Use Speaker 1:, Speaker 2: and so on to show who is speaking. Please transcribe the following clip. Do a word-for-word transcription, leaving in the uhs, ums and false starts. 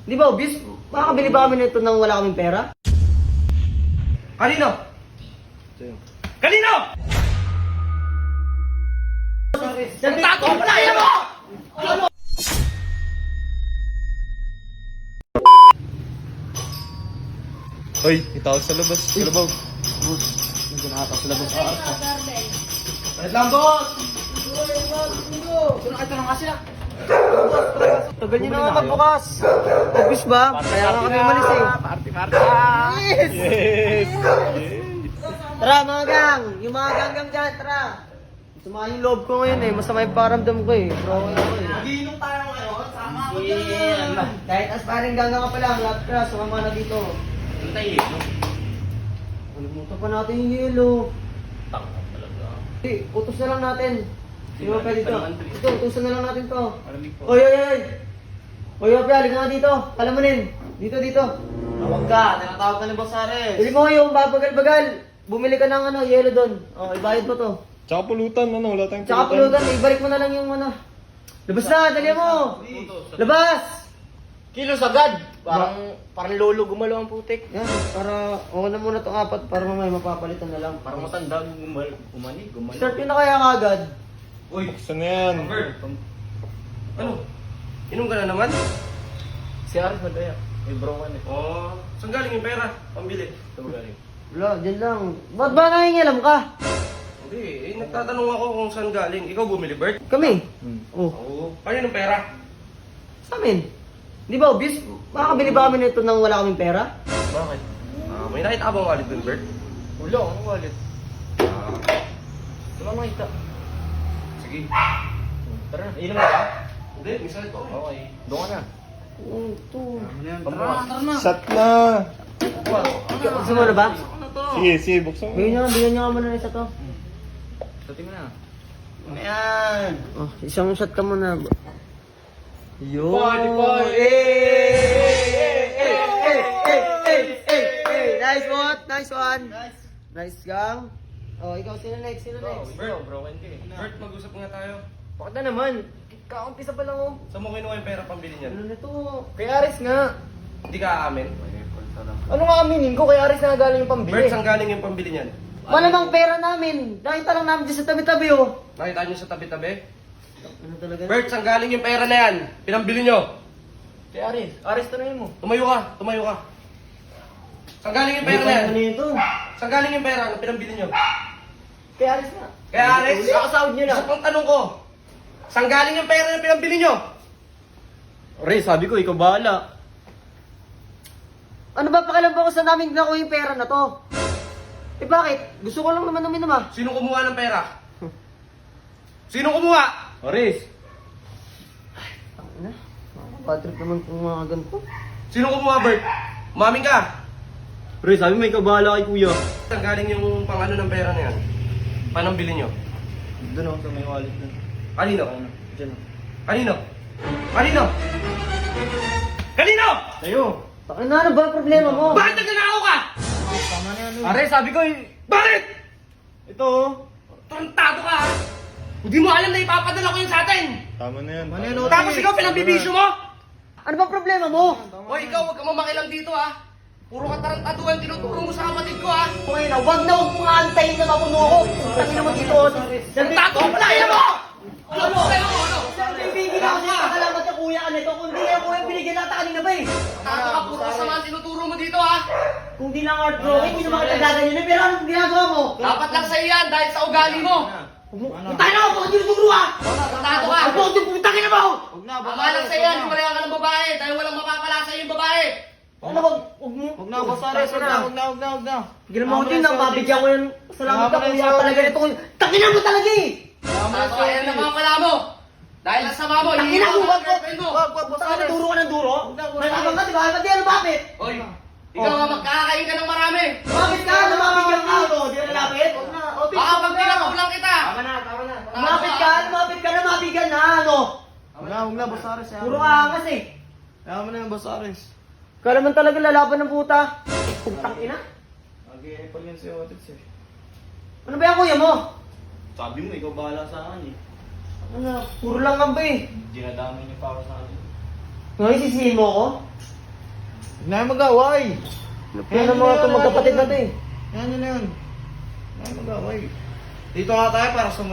Speaker 1: Di ba, obvious? Makakabili ba kami nito nang wala kaming pera?
Speaker 2: Kanino? Kanino? Tago mo na! Yan mo!
Speaker 3: Hoy, itaw sa labas. Sa labas.
Speaker 1: Hindi na ata sila sa arka.
Speaker 2: Wait lang, boss!
Speaker 1: Sino kayo nga sila? Tagal niyo naman magbukas. Obvious ba? Kaya nga kami umalis eh.
Speaker 2: Party, party!
Speaker 1: Yes!
Speaker 3: Yes!
Speaker 1: Tara mga gang! Yung mga gang-gang dyan, tara! Masama yung loob ko ngayon eh. Masama yung paramdam ko eh. Pero okay ako eh.
Speaker 2: Magiinom tayo ngayon. Sama ako
Speaker 1: Yeah.
Speaker 2: dyan.
Speaker 1: Kahit as parang gang-gang ka pa lang, lahat ka, sumama na dito.
Speaker 2: Hintay,
Speaker 1: Alimutan pa natin yung yelo.
Speaker 2: Tanga talaga.
Speaker 1: Hey, utos na lang natin. Sino ba pwede dito? Ito, utusan na lang natin to.
Speaker 3: Malamig po.
Speaker 1: Oy, oy, oy! Oy, Opya, halika nga dito. Alam mo nin. Dito, dito.
Speaker 2: Tawag ka. Tinatawag ka ni Boss Ares.
Speaker 1: Bili mo yung babagal-bagal. Bumili ka ng ano, yelo doon. Oh, ibayad mo to.
Speaker 3: Tsaka pulutan, ano? Wala tayong
Speaker 1: Tsaka pulutan, ibalik mo na lang yung ano. Labas na, dali mo! Labas!
Speaker 2: Kilos agad. Parang, parang lolo gumalaw ang putik.
Speaker 1: Yan, para, okay na muna itong apat para mamaya mapapalitan na lang.
Speaker 2: Parang matanda gumal, gumani, gumani.
Speaker 1: Start yun na kaya kagad.
Speaker 2: Uy,
Speaker 3: Buksan na yan.
Speaker 2: ano? Inom ka na naman?
Speaker 4: Si Aris madaya. May browan eh.
Speaker 2: Oo. Oh, saan galing yung pera? Pambili.
Speaker 4: Ito galing.
Speaker 1: Wala, dyan lang. Ba't ba nangingilam ka?
Speaker 2: Hindi, eh, nagtatanong ako kung saan galing. Ikaw bumili, Bert?
Speaker 1: Kami.
Speaker 4: Hmm.
Speaker 1: Oh,
Speaker 2: Oo. Kanino ng pera?
Speaker 1: sa amin. Di ba, obvious? Makakabili ba kami nito nang wala kaming pera?
Speaker 2: Bakit? Ah, may nakita ka bang wallet dun, Bert?
Speaker 4: Wala, ano wallet?
Speaker 2: Ah,
Speaker 4: Wala makita.
Speaker 2: sige.
Speaker 4: Tara na, inom na ba?
Speaker 2: Hindi, minsan ito.
Speaker 4: Okay. Doon ka na.
Speaker 1: Oh, ito.
Speaker 4: Pambukas. Tara na.
Speaker 3: Shot na!
Speaker 1: Gusto mo na ba?
Speaker 3: Sige, sige, buksan mo.
Speaker 1: Bigyan nyo, bigyan nyo nga muna isa to.
Speaker 4: Sabi mo na.
Speaker 2: Ayan.
Speaker 1: Oh, isang shot ka muna. Yo!
Speaker 2: Party, party!
Speaker 1: Eh, eh, eh, eh, eh, eh, eh. Nice one! Nice one!
Speaker 2: Nice.
Speaker 1: Nice gang. Oh, ikaw, sino next? Sino next?
Speaker 2: Bert.
Speaker 4: browan ka eh.
Speaker 2: Bert, mag-usap nga tayo.
Speaker 1: Bakit na naman? Kaumpisa pa lang oh.
Speaker 2: Saan mo kinuha yung pera pambili niyan?
Speaker 1: Ano nito?
Speaker 4: Kay Aris nga.
Speaker 2: Hindi ka aamin?
Speaker 4: Ano nga aminin ko? Kay Aris na galing yung pambili.
Speaker 2: Bert, saan galing yung pambili niyan?
Speaker 1: Malamang pera namin. Nakita lang namin dyan sa tabi-tabi oh.
Speaker 2: Nakita niyo sa tabi-tabi?
Speaker 1: Ano talaga?
Speaker 2: Bert, saan galing yung pera na yan? Pinambili niyo?
Speaker 4: Kay Aris. Aris, tanongin mo.
Speaker 2: Tumayo ka, tumayo ka. Saan galing yung pera na yan?
Speaker 1: Ano ito?
Speaker 2: Saan galing yung pera na pinambili niyo?
Speaker 1: Kay Aris na.
Speaker 2: Kaya Alex,
Speaker 1: Nakasahod nyo na.
Speaker 2: isa pang tanong ko. Saan galing yung pera na pinambili niyo?
Speaker 4: Ray, sabi ko, ikaw bahala.
Speaker 1: Ano ba pakialam ba ko sa namin nakuha yung pera na to? Eh bakit? Gusto ko lang naman uminom ah.
Speaker 2: Sino kumuha ng pera? Sino kumuha?
Speaker 4: Aris.
Speaker 1: Ano? Patrick naman kung mga ganito.
Speaker 2: Sino kumuha, Bert? Maming ka.
Speaker 4: Ray, sabi mo, ikaw bahala kay kuya.
Speaker 2: Saan galing yung pang-ano ng pera na yan? Panambili niyo?
Speaker 4: Doon ako sa may wallet na.
Speaker 2: Kanino?
Speaker 4: Ano? Diyan.
Speaker 2: Kanino? Kanino? Kanino?
Speaker 4: Tayo.
Speaker 1: Ano, ano ba ang problema mo?
Speaker 2: Bakit nagnanakaw ka?
Speaker 4: Tama na yan.
Speaker 1: Aris, sabi ko eh.
Speaker 2: Bakit?
Speaker 4: Ito oh.
Speaker 2: Tarantado ka ha? Hindi mo alam na ipapadala ko yun sa atin.
Speaker 3: Tama na yan.
Speaker 4: Ano yan,
Speaker 3: tama na.
Speaker 2: Tapos ikaw pinagbibisyo mo?
Speaker 1: Ano ba problema mo?
Speaker 2: O ikaw, huwag ka mamakilang dito ha. Puro ka tarantaduhan tinuturo mo sa kapatid ko ha.
Speaker 1: Okay na, wag na huwag mong antayin na mapuno ko. Kasi naman dito. oh.
Speaker 2: Tato mo pala, yan mo! Ano mo? Ano mo? Ano?
Speaker 1: Bibigyan ako sa'yo, kakalamat ka kuya ka nito. Kung di na kuya, binigyan natin kanina ba eh.
Speaker 2: Tato ka, puro kasama ang tinuturo mo dito ha.
Speaker 1: Kung di lang art drawing, hindi naman kita gaganyan. Pero anong ginagawa mo?
Speaker 2: Dapat lang sa'yo yan dahil sa ugali mo.
Speaker 1: Tayo na ako, bakit yung turo ah?
Speaker 2: Tato ka.
Speaker 1: Ako, yung putangin na mo!
Speaker 4: Huwag na,
Speaker 2: Tama lang sa'yo yan, wala ka ng babae dahil walang mapapala sa'yo yung babae.
Speaker 1: Ano wag, wag mo?
Speaker 4: Huwag na, boss Aris. Huwag na, huwag na, huwag na, huwag na.
Speaker 1: Tignan mo ko din, nang mabigyan ko yan. Salamat ka
Speaker 4: Tama na
Speaker 1: kuya
Speaker 4: yung
Speaker 1: talaga
Speaker 4: sorry.
Speaker 1: ito. Tangina mo talaga eh!
Speaker 2: Tato ka, yan ang mga pala mo. Dahil ang sama mo,
Speaker 1: Tangina mo, wag, wag,
Speaker 2: girlfriend mo.
Speaker 4: Wag, wag, boss
Speaker 1: Tangina,
Speaker 4: Aris.
Speaker 1: duro ka ng duro?
Speaker 4: Huwag na, boss
Speaker 1: Nalabang ka,
Speaker 4: Aris.
Speaker 1: di ba? Ba't yan, bakit?
Speaker 2: Oy, ikaw nga magkakain ka ng marami.
Speaker 1: Bakit ka? Lumapit ka ito. Di na nalapit?
Speaker 2: Baka pag pinatulang kita.
Speaker 4: Tama na, tama na.
Speaker 1: Lumapit ka, lumapit ka, lumapit ka na, ano?
Speaker 4: Huwag na, huwag na, boss Aris.
Speaker 1: Puro angas eh.
Speaker 4: Tama na yung boss Aris.
Speaker 1: Kala man talaga lalaban ng puta. Putang ina.
Speaker 4: Nag-i-epal yan si Otis eh.
Speaker 1: Ano ba yan kuya mo?
Speaker 4: Sabi mo, ikaw bahala sa akin eh.
Speaker 1: Ano, puro lang ka ba eh.
Speaker 4: Dinadamay niyo pa ako sa akin.
Speaker 1: Ngayon sisihin mo ako?
Speaker 4: Huwag na yung mag-away. Yan ang mga itong magkapatid natin.
Speaker 1: Yan yun na yun. Yan mag-away. Dito nga tayo para sa